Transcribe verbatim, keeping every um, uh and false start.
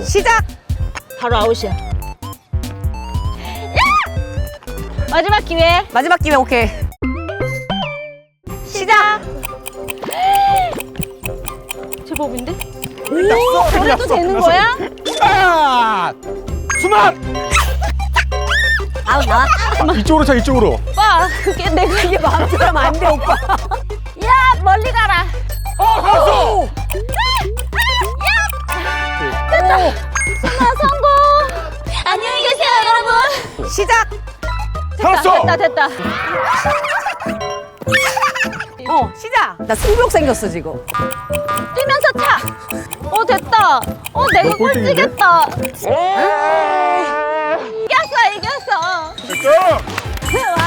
시작. 바로 아웃이야. 야! 마지막 기회. 마지막 기회. 오케이. 시작. 제법인데? 오, 그래도 되는 거야? 아! 수만! 아웃 나왔다. 이쪽으로 차, 이쪽으로. 오빠, 그게 내가 이게 마음대로 하면 안 돼, 오빠. 야, 멀리 가라. 어, 갔어! 됐다. 수마 성공. 안녕히 계세요, 여러분. 시작. 갔어! 됐다, 됐다. 어, 시작. 나 승부욕 생겼어, 지금. 뛰면서 차. 어, 됐다. 어, 내가 너 꼴등인데? 꼴찌겠다. 이겼어, 이겼어. 됐어! 와.